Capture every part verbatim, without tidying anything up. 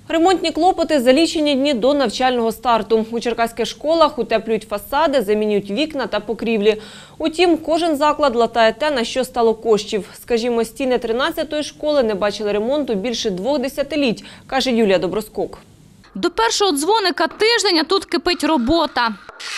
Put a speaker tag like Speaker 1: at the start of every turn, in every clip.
Speaker 1: Ремонтні клопоти за лічені дні до навчального старту. У черкаських школах утеплюють фасади, замінюють вікна та покрівлі. Утім, кожен заклад латає те, на що стало коштів. Скажімо, стіни тринадцятої школи не бачили ремонту більше двох десятиліть, каже Юлія Доброскок.
Speaker 2: До першого дзвоника тиждень, а тут кипить робота.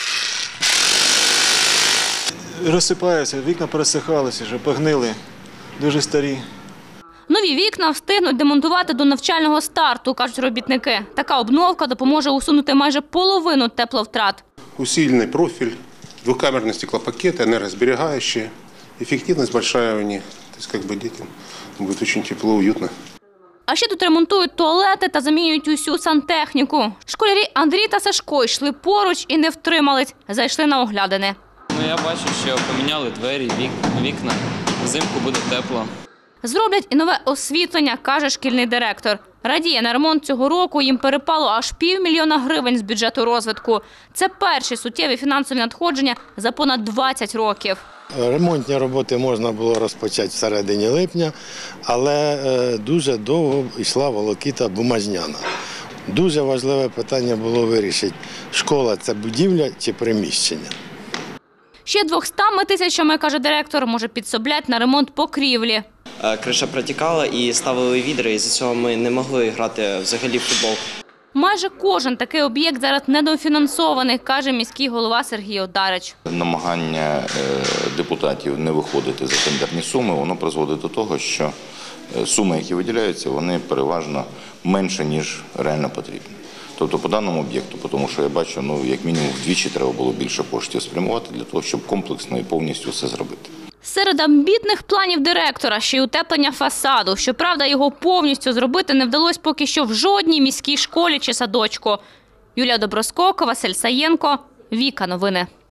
Speaker 3: Розсипаються, вікна пересихалися, вже погнили, дуже старі.
Speaker 2: Нові вікна встигнуть демонтувати до навчального старту, кажуть робітники. Така обновка допоможе усунути майже половину тепловтрат.
Speaker 4: Усилений профіль, двокамерні стеклопакети, енергозберігаючі, ефективність велика у них. Тобто, як би дітям буде дуже тепло, уютно.
Speaker 2: А ще тут ремонтують туалети та замінюють усю сантехніку. Школярі Андрій та Сашко йшли поруч і не втримались. Зайшли на оглядини.
Speaker 5: Ну, я бачу, що поміняли двері, вікна. Взимку буде тепло.
Speaker 2: Зроблять і нове освітлення, каже шкільний директор. Радіє, на ремонт цього року їм перепало аж півмільйона гривень з бюджету розвитку. Це перші суттєві фінансові надходження за понад двадцять років.
Speaker 6: Ремонтні роботи можна було розпочати в середині липня, але дуже довго йшла волокіта бумажняна. Дуже важливе питання було вирішити, школа – це будівля чи приміщення.
Speaker 2: Ще двома тисячами, каже директор, може підсоблять на ремонт покрівлі.
Speaker 7: Криша протікала і ставили відра, і з цього ми не могли грати взагалі в футбол.
Speaker 2: Майже кожен такий об'єкт зараз недофінансований, каже міський голова Сергій Одарич.
Speaker 8: Намагання депутатів не виходити за тендерні суми, воно призводить до того, що суми, які виділяються, вони переважно менше, ніж реально потрібно. Тобто по даному об'єкту, тому що я бачу, ну, як мінімум вдвічі треба було більше коштів спрямувати для того, щоб комплексно і повністю все зробити.
Speaker 2: Серед амбітних планів директора ще й утеплення фасаду. Щоправда, його повністю зробити не вдалося поки що в жодній міській школі чи садочку. Юлія Доброскок, Василь Саєнко, Віка Новини.